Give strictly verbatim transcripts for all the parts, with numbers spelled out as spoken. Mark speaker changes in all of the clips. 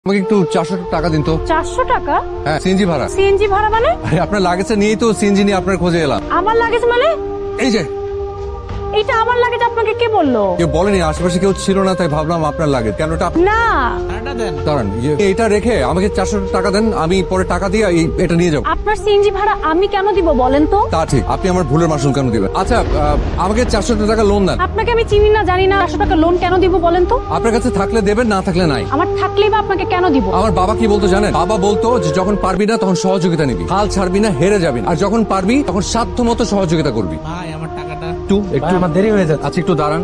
Speaker 1: আমাকে একটু চারশো টাকা দিন তো।
Speaker 2: চারশো টাকা?
Speaker 1: হ্যাঁ, সিএনজি ভাড়া।
Speaker 2: সিএনজি ভাড়া মানে?
Speaker 1: আরে আপনার লাগেজটা নিয়েই তো সিএনজি নিয়ে আপনার খোঁজে এলাম।
Speaker 2: আমার লাগেজ মানে?
Speaker 1: এই যে
Speaker 2: এটা আমার লাগেজ, আপনাকে কে বললো?
Speaker 1: কেউ বলেনি, আশেপাশে কেউ ছিল না, তাই ভাবলাম আপনার লাগেজ। কেন এটা আপ-
Speaker 2: না,
Speaker 1: দাঁড়ান, ইয়ে, এটা রেখে আমাকে চারশো টাকা দেন, আমি পরে টাকা দিয়ে এই- এটা নিয়ে যাবো।
Speaker 2: আপনার সিএনজি ভাড়া আমি কেন দিব বলেন তো?
Speaker 1: তা ঠিক, আপনি আমার ভুলের মাসুল কেন দিবেন? আচ্ছা, আহ, আমাকে চারশো টাকা লোন দেন।
Speaker 2: আপনাকে আমি চিনি না, জানি না, চারশো টাকা লোন কেন দিব বলেন তো?
Speaker 1: আপনার কাছে থাকলে দেবেন, না থাকলে নাই।
Speaker 2: আমার থাকলেই বা আপনাকে কেন দিব?
Speaker 1: আমার বাবা কি বলতো জানেন? বাবা বলতো যে যখন পারবি না তখন সহযোগিতা নিবি, হাল ছাড়বি না, হেরে যাবি না। আর যখন পারবি তখন সাধ্য মতো সহযোগিতা করবি।
Speaker 3: ভাই আমার টাকাটা
Speaker 1: একটু একটু
Speaker 3: আমার দেরি হয়ে যাচ্ছে।
Speaker 1: আচ্ছা, একটু দাঁড়ান।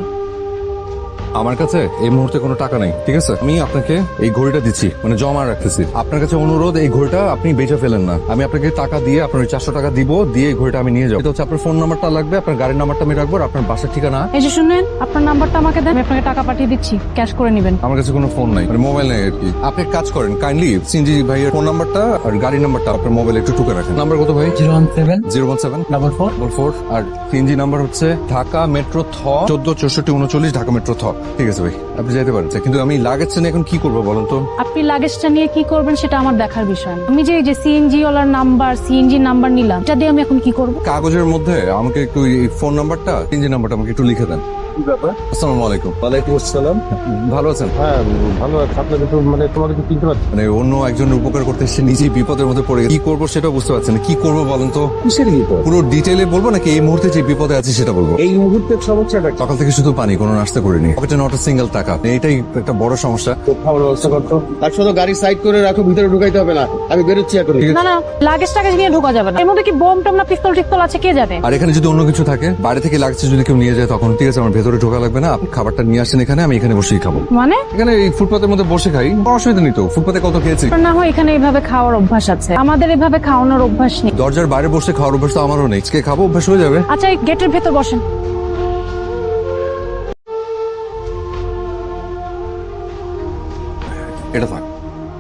Speaker 1: আমার কাছে এই মুহূর্তে কোনো টাকা নেই, ঠিক আছে? আমি আপনাকে এই ঘড়িটা দিচ্ছি, মানে জমা রাখতেছি। আপনার কাছে অনুরোধ, এই ঘড়িটা আপনি বেচে ফেলেন না। আমি আপনাকে টাকা দিয়ে আপনার ওই চারশো টাকা দিব, দিয়ে এই ঘড়িটা আমি নিয়ে যাবো। এটা হচ্ছে আপনার ফোন নাম্বারটা লাগবে, আপনার গাড়ির নাম্বারটা আমি রাখবো, আর আপনার বাসার ঠিকানা।
Speaker 2: এই যে শুনেন, আপনার নাম্বারটা আমাকে দেন, আমি আপনাকে টাকা পাঠিয়ে দিচ্ছি, ক্যাশ করে নেবেন।
Speaker 1: আমার কাছে কোনো ফোন নাই, মানে মোবাইল নেই আর কি। আপনি এক কাজ করেন, কাইন্ডলি সিনজি ভাইয়ের ফোন নাম্বারটা আর গাড়ির নাম্বারটা আপনার মোবাইলে একটু টুকে রাখেন। নাম্বার কত ভাই?
Speaker 3: Zero one seven
Speaker 1: zero one seven
Speaker 3: double four
Speaker 1: double four আর সিএনজি নাম্বার হচ্ছে ঢাকা মেট্রো থ চোদ্দ চৌষট্টি উনচল্লিশ ঢাকা মেট্রো থ। ঠিক আছে ভাই, আপনি যেতে পারেন। কিন্তু আমি লাগেজটা নিয়ে এখন কি করবো বলেন তো?
Speaker 2: আপনি লাগেজটা নিয়ে কি করবেন সেটা আমার দেখার বিষয় না। আমি যে এই যে সিএনজি ওয়ালার নাম্বার, সিএনজি নাম্বার নিলাম, এটা দিয়ে আমি এখন কি করব?
Speaker 1: কাগজের মধ্যে আমাকে একটু এই ফোন নাম্বারটা, সিএনজি নাম্বারটা আমাকে একটু লিখে দেন।
Speaker 4: ব্যাপার?
Speaker 1: আসসালামু আলাইকুম।
Speaker 4: ওয়ালাইকুম আসসালাম।
Speaker 1: ভালো আছেন?
Speaker 4: হ্যাঁ ভালো আছে। আপনাকে তো মানে তোমাকে তো চিনতে পারছি।
Speaker 1: মানে অন্য একজনের উপকার করতে এসে নিজেই বিপদের মধ্যে পড়ে গেছে। কি করবো সেটা বুঝতে পারছেন না। কি করবো বলেন তো?
Speaker 4: কিসের বিপদ?
Speaker 1: পুরো ডিটেইলে বলবো নাকি এই মুহূর্তে যে বিপদে আছি সেটা বলবো?
Speaker 4: এই মুহূর্তের সমস্যাটা কি?
Speaker 1: সকাল থেকে শুধু পানি, কোনো নাস্তা করিনি, পকেটে নট আ সিঙ্গেল টাকা। এইটাই একটা বড় সমস্যা।
Speaker 4: তো খাওয়ার ব্যবস্থা করতো। তার সাথে গাড়ি সাইড করে রাখো, ভিতরে ঢুকাইতে হবে না। আমি বেরোচ্ছি এখন।
Speaker 2: না না, লাগেজ টাগেজ নিয়ে ঢোকা যাবে না। এর মধ্যে কি বোম টম না পিস্তল টিস্তল আছে কে জানে?
Speaker 1: আর এখানে যদি অন্য কিছু থাকে, বাইরে থেকে লাগছে যদি কেউ নিয়ে যায়, তখন ঠিক আছে, আমার ভেতরে ঢোকা লাগবে না। আপনি খাবারটা নিয়ে আসেন এখানে, আমি এখানে বসেই খাবো।
Speaker 2: মানে
Speaker 1: এখানে এই ফুটপাতের মধ্যে বসে খাই, কোনো অসুবিধা নেই তো। ফুটপাতে কত খেয়েছি।
Speaker 2: না হয় এখানে এভাবে খাওয়ার অভ্যাস আছে, আমাদের এভাবে খাওয়ানোর অভ্যাস নেই।
Speaker 1: দরজার বাইরে বসে খাওয়ার অভ্যাস তো আমারও নেই। আজকে খাবো, অভ্যাস হয়ে যাবে।
Speaker 2: আচ্ছা, এই গেটের ভেতর বসেন।
Speaker 1: এটা থাক।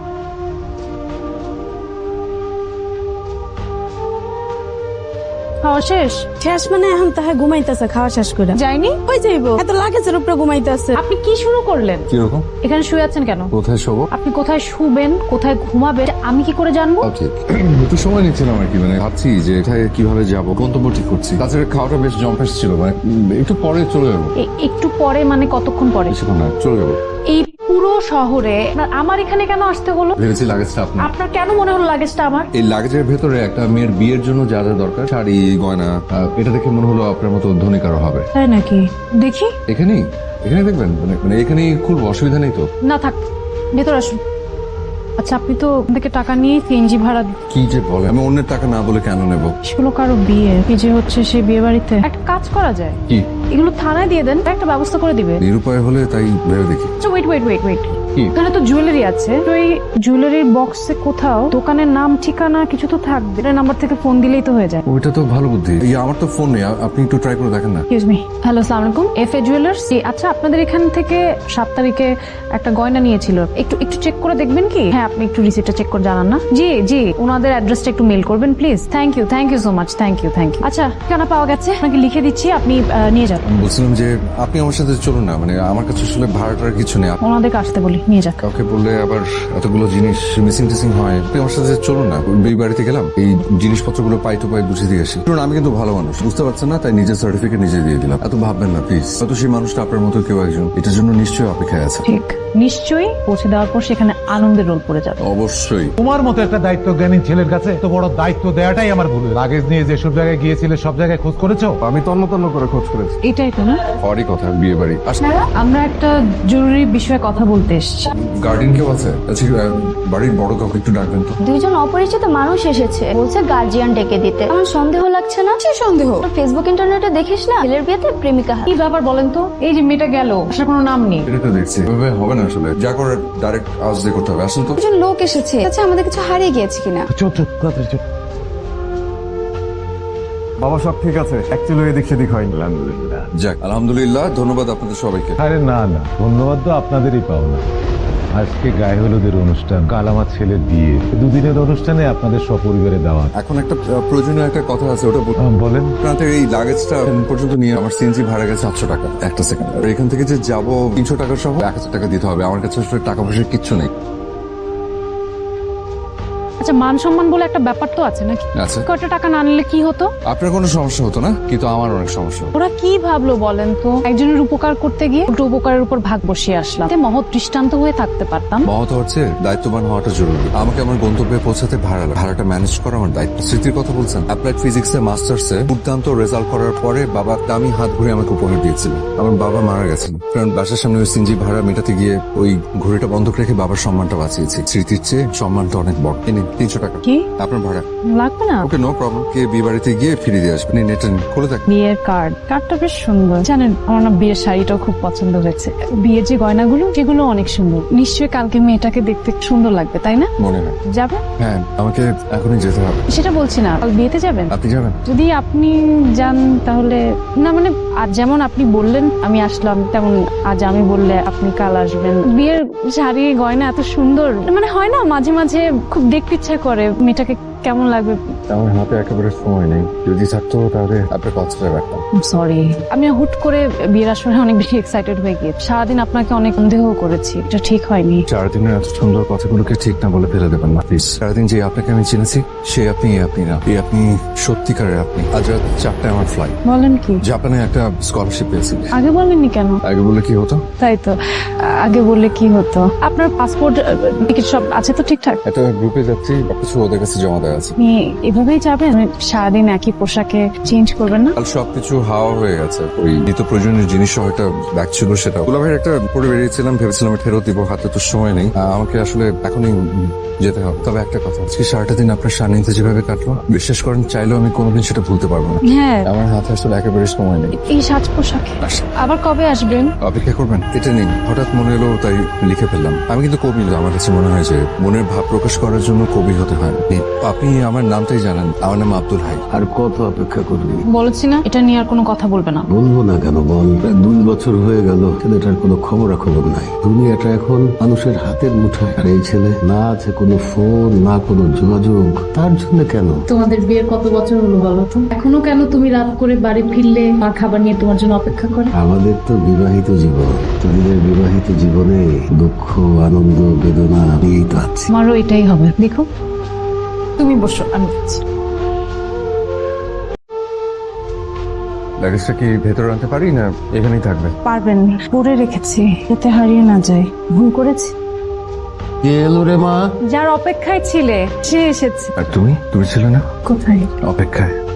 Speaker 2: খাওয়া শেষ?
Speaker 5: শেষ মানে এখন তাহা ঘুমাইতেছে খাওয়া শেষ করে
Speaker 2: যায়নি?
Speaker 5: ওই যাইবো এত লাগেজের উপরে ঘুমাইতেছে।
Speaker 2: আপনি কি শুরু করলেন?
Speaker 1: কিরকম?
Speaker 2: এখানে শুয়ে আছেন কেন?
Speaker 1: কোথায় শোবো?
Speaker 2: আপনি কোথায় শুবেন, কোথায় ঘুমাবেন আমি কি করে জানবো?
Speaker 1: ঠিক একটু সময় নিচ্ছিলাম আর কি, মানে ভাবছি যে এটায় কিভাবে যাবো, গন্তব্য ঠিক করছি। তাছাড়া খাওয়াটা বেশ জম্পেস ছিল, মানে উম, একটু পরে চলে যাবো।
Speaker 2: এ- একটু পরে মানে কতক্ষণ পরে?
Speaker 1: বেশিক্ষণ না, চলে যাবো।
Speaker 2: এই পুরো শহরে আপনার- আমার এখানে কেন আসতে হলো?
Speaker 1: ভেবেছি লাগেজটা আপনার।
Speaker 2: আপনার কেন মনে হলো লাগেজটা আমার?
Speaker 1: এই লাগেজের ভেতরে একটা মেয়ের বিয়ের জন্য যা যা দরকার, শাড়ি গয়না, আহ, এটা দেখে মনে হলো আপনার মতো ধনী কারো হবে।
Speaker 2: তাই নাকি? দেখি।
Speaker 1: এখানেই এখানে দেখবেন, মানে মানে এখানেই খুব অসুবিধা নেই তো?
Speaker 2: না থাক, ভেতর আসুন। আচ্ছা, আপনি তো ওখান থেকে টাকা নিয়ে সিএনজি ভাড়া দি-
Speaker 1: কি যে বলে, আমি অন্যের টাকা না বলে কেন নেব?
Speaker 2: সেগুলো কারো বিয়ে, কি যে হচ্ছে সেই বিয়ে বাড়িতে একটা কাজ করা যায়,
Speaker 1: কি
Speaker 2: এগুলো থানায় দিয়ে দেন, একটা ব্যবস্থা করে দিবে।
Speaker 1: নিরুপায় হলে তাই ভেবে দেখি।
Speaker 2: আচ্ছা ওয়েট ওয়েট ওয়েট ওয়েট
Speaker 1: কি?
Speaker 2: এখানে তো জুয়েলারি আছে, তো এই জুয়েলারির বক্সে কোথাও দোকানের নাম ঠিকানা কিছু তো থাকবে, এটা নাম্বার থেকে ফোন দিলেই তো হয়ে যায়।
Speaker 1: ওইটা তো ভালো বুদ্ধি। এই আমার তো ফোন নেই, আ- আপনি একটু ট্রাই করে দেখেন না।
Speaker 2: এক্সকিউজ মি, হ্যালো আসসালামু আলাইকুম, এফ এ জুয়েলার্স। আচ্ছা, আপনাদের এখান থেকে সাত তারিখে একটা গয়না নিয়েছিল, একটু একটু চেক করে দেখবেন কি? হ্যাঁ, আপনি একটু রিসিপ্টটা চেক করে জানান না। জি জি, ওনাদের অ্যাড্রেসটা একটু মেল করবেন please. Thank you thank you so much, thank you thank you. আচ্ছা, ঠিকানা পাওয়া গেছে, আপনাকে লিখে দিচ্ছি, আপনি আহ, নিয়ে যান।
Speaker 1: আমি বলছিলাম যে আপনি আমার সাথে চলুন না, মানে আমার কাছে আসলে ভাড়াটার কিছু নেই।
Speaker 2: ওনাদেরকে আসতে বলি, নিয়ে যাক।
Speaker 1: কাউকে বললে আবার এতগুলো জিনিস মিসিং টিসিং হয়। আপনি আমার সাথে চলুন না, এই বাড়িতে গেলাম, এই জিনিসপত্রগুলো পাই টু পাই বুঝে দিয়ে আসি। শুনুন, আমি কিন্তু ভালো মানুষ, বুঝতে পারছেন না, তাই নিজের সার্টিফিকেট নিজে দিয়ে দিলাম। এত ভাববেন না প্লিজ। হয়তো সেই মানুষটা আপনার মতো কেউ একজন এটার জন্য নিশ্চয়ই অপেক্ষায় আছে।
Speaker 2: ঠিক, নিশ্চয়ই পৌঁছে দেওয়ার পর সেখানে আনন্দের রোল পড়ে যাবে।
Speaker 1: অবশ্যই।
Speaker 6: তোমার মতো একটা দায়িত্ব জ্ঞানী ছেলের কাছে তো বড় দায়িত্ব দেওয়াটাই আমার ভুল। লাগেজ নিয়ে যেসব জায়গায় গিয়েছিলে সব জায়গায় খোঁজ করেছো?
Speaker 1: আমি তন্ন তন্ন করে খোঁজ করেছি।
Speaker 2: এটাই তো না?
Speaker 1: হরই কথা, বিয়ে বাড়ি।
Speaker 2: আমরা একটা জরুরি বিষয়ে কথা বলতে এসেছি।
Speaker 1: গার্ডিয়ান কেউ আছে? আচ্ছা, আহ, বাড়ির বড় কাউকে একটু ডাকবেন তো।
Speaker 7: দুইজন অপরিচিত মানুষ এসেছে, বলছে গার্জিয়ান ডেকে দিতে। আমার সন্দেহ লাগছে না?
Speaker 5: সে সন্দেহ
Speaker 7: ফেসবুক ইন্টারনেটে দেখিস না, ছেলের বিয়েতে প্রেমিকা হাত।
Speaker 2: কি ব্যাপার বলেন তো? এই যে মেয়েটা গেল, আসার কোনো নাম নেই।
Speaker 1: এটা তো দেখছি এভাবে হবে না আসলে, যা করে ডাইরেক্ট আওয়াজ দিয়ে করতে হবে। আসুন তো।
Speaker 5: একজন লোক এসেছে, আচ্ছা আমাদের কিছু হারিয়ে গিয়েছে কিনা?
Speaker 6: চল চল তাড়াতাড়ি চল।
Speaker 4: বাবা সব ঠিক আছে, অ্যাকচুয়ালি এদিক সেদিক হয়নি। আলহামদুলিল্লাহ।
Speaker 1: যাক, আলহামদুলিল্লাহ, ধন্যবাদ আপনাদের সবাইকে।
Speaker 6: আরে না না, ধন্যবাদ তো আপনাদেরই পাওনা। আজকে গায়ে হলুদের অনুষ্ঠান, কাল আমার ছেলের বিয়ে, দুদিনের অনুষ্ঠানে আপনাদের সপরিবারে দাওয়াত।
Speaker 1: এখন একটা আহ, প্রয়োজনীয় একটা কথা আছে, ওটা বল-
Speaker 6: আহ, বলেন।
Speaker 1: আপনাদের এই লাগেজটা এখন পর্যন্ত নিয়ে আমার সিএনজি ভাড়া গেছে সাতশো টাকা। একটা সেকেন্ড, আর এখান থেকে যে যাবো তিনশো টাকা সহ এক হাজার টাকা দিতে হবে। আমার কাছে আসলে টাকা পয়সা কিচ্ছু নেই।
Speaker 2: আচ্ছা মান সম্মান বলে একটা ব্যাপার তো আছে নাকি?
Speaker 1: আচ্ছা
Speaker 2: কয়টা টাকা না নিলে কি হতো?
Speaker 1: আপনার কোনো সমস্যা হতো না, কিন্তু আমার অনেক সমস্যা হতো।
Speaker 2: ওরা কি ভাবলো বলেন তো? একজনের উপকার করতে গিয়ে উল্টো উপকারের উপর ভাগ বসিয়ে আসলাম। এতে মহৎ দৃষ্টান্ত হয়ে থাকতে পারতাম।
Speaker 1: মহৎ হচ্ছে দায়িত্ববান হওয়াটা জরুরি। আমাকে আমার গন্তব্যে পৌঁছাতে ভাড়া লাগে। ভাড়াটা ম্যানেজ করা আমার দায়িত্ব। স্মৃতির কথা বলছেন, অ্যাপ্লাইড ফিজিক্সে মাস্টার্সে দুর্দান্ত রেজাল্ট করার পরে বাবা দামি হাত ঘুরে আমাকে উপহার দিয়েছিল। আমার বাবা মারা গেছেন, কারণ বাসার সামনে ওই সিনজি ভাড়া মেটাতে গিয়ে ওই ঘড়িটা বন্ধক রেখে বাবার সম্মানটা বাঁচিয়েছি। স্মৃতির চেয়ে সম্মানটা অনেক বড়। এই নিন, তিনশো টাকা
Speaker 2: কি
Speaker 1: আপনার ভাড়া।
Speaker 2: লাগবে না?
Speaker 1: ওকে, নো প্রবলেম। কে বিয়ে বাড়িতে গিয়ে ফিরিয়ে দিয়ে আসবেন। নেটে খুলে দেখ।
Speaker 2: বিয়ের কার্ড কার্ডটা বেশ সুন্দর। জানেন আমার না বিয়ের শাড়িটাও খুব পছন্দ হয়েছে। বিয়ের যে গয়নাগুলো সেগুলো অনেক সুন্দর। নিশ্চয়ই কালকে মেয়েটাকে দেখতে সুন্দর লাগবে, তাই না?
Speaker 1: মনে হয়।
Speaker 2: যাবে?
Speaker 1: হ্যাঁ, আমাকে এখনই যেতে হবে।
Speaker 2: সেটা বলছি না, কাল বিয়েতে যাবেন?
Speaker 1: আপনি যাবেন?
Speaker 2: যদি আপনি যান তাহলে না, মানে আজ যেমন আপনি বললেন আমি আসলাম, তেমন আজ আমি বললে আপনি কাল আসবেন। বিয়ের শাড়ি গয়না এত সুন্দর, মানে হয় না মাঝে মাঝে খুব দেখতে ইচ্ছা করে মেয়েটাকে কেমন লাগবে।
Speaker 1: আমার হাতে একেবারে সময় নেই। যদি থাকতো তাহলে আপনার কথাটা রাখতাম।
Speaker 2: সরি, আমি হুট করে বিয়ের আসরে অনেক বেশি এক্সাইটেড হয়ে গিয়ে সারাদিন আপনাকে অনেক সন্দেহ করেছি। এটা ঠিক হয়নি।
Speaker 1: চার দিনের এত সুন্দর কথাগুলোকে ঠিক না বলে ফেলে দেবেন না প্লিজ। সারাদিন যে আপনাকে আমি চিনেছি সে আপনি এ আপনি না। এই আপনি সত্যিকারের আপনি। আজ রাত চারটায় আমার ফ্লাইট।
Speaker 2: বলেন কি?
Speaker 1: জাপানে একটা স্কলারশিপ পেয়েছি।
Speaker 2: আগে বলেননি কেন?
Speaker 1: আগে বলে কি হতো?
Speaker 2: তাই তো, আগে বললে কি হতো? আপনার পাসপোর্ট টিকিট সব আছে তো ঠিকঠাক?
Speaker 1: একটা গ্রুপে যাচ্ছি, কিছু ওদের কাছে জমা দেওয়া আছে।
Speaker 2: আপনি এভাবেই যাবেন? মানে সারাদিন একই পোশাকে চেঞ্জ করবেন না?
Speaker 1: কাল সবকিছু হাওয়া হয়ে গেছে। ওই নিত্য প্রয়োজনীয় জিনিস সহ একটা ব্যাগ ছিল, সেটা দুলাভাইয়ের একটা পরে বেরিয়েছিলাম, ভেবেছিলাম ফেরত দিব, হাতে তো সময় নেই। আহ, আমাকে আসলে এখনই যেতে হবে। তবে একটা কথা, আজকে সারাটা দিন আপনার সান্নিধ্যে যেভাবে কাটলো, বিশ্বাস করেন চাইলেও আমি কোনোদিন সেটা ভুলতে পারবো না।
Speaker 2: হ্যাঁ,
Speaker 1: আমার হাতে আসলে একেবারে সময় নেই।
Speaker 2: এই সাজ পোশাকে আবার কবে আসবেন?
Speaker 1: অপেক্ষা করবেন? এটা নিন, হঠাৎ মনে এলো তাই লিখে ফেললাম। আমি কিন্তু কবি না, আমার কাছে মনে হয় যে মনের ভাব প্রকাশ করার জন্য কবি হতে হয়। নিন, আপনি আমার নামটাই জানেন, আমার নাম আব্দুল হাই।
Speaker 3: আর কত অপেক্ষা করবি?
Speaker 2: বলেছি না এটা নিয়ে আর কোনো কথা বলবে না।
Speaker 3: বলবো না কেন বল? প্রায় দুই বছর হয়ে গেল ছেলেটার কোনো খবরাখবর নাই। দুনিয়াটা এখন মানুষের হাতের মুঠায়, আর এই ছেলে না আছে কোনো ফোন, না কোনো যোগাযোগ। তার জন্য কেন?
Speaker 8: তোমাদের বিয়ের কত বছর হলো বলো তো? এখনো কেন তুমি রাত করে বাড়ি ফিরলে মা খাবার নিয়ে তোমার জন্য অপেক্ষা করে?
Speaker 3: আমাদের তো বিবাহিত জীবন, তোদের বিবাহিত জীবনে দুঃখ, আনন্দ, বেদনা নিয়েই তো আছে।
Speaker 2: আমারও এটাই হবে। দেখো তুমি বসো, আমি যাচ্ছি।
Speaker 1: লাগেজটা কি ভেতরে আনতে পারি না এখানেই থাকবে?
Speaker 2: পারবেন, পরে রেখেছি যাতে হারিয়ে না যায়। ভুল করেছি।
Speaker 3: কে এলো রে মা?
Speaker 2: যার অপেক্ষায় ছিলে সে এসেছে।
Speaker 1: আর তুমি তুমি ছিলে না
Speaker 2: কোথায়?
Speaker 1: অপেক্ষায়?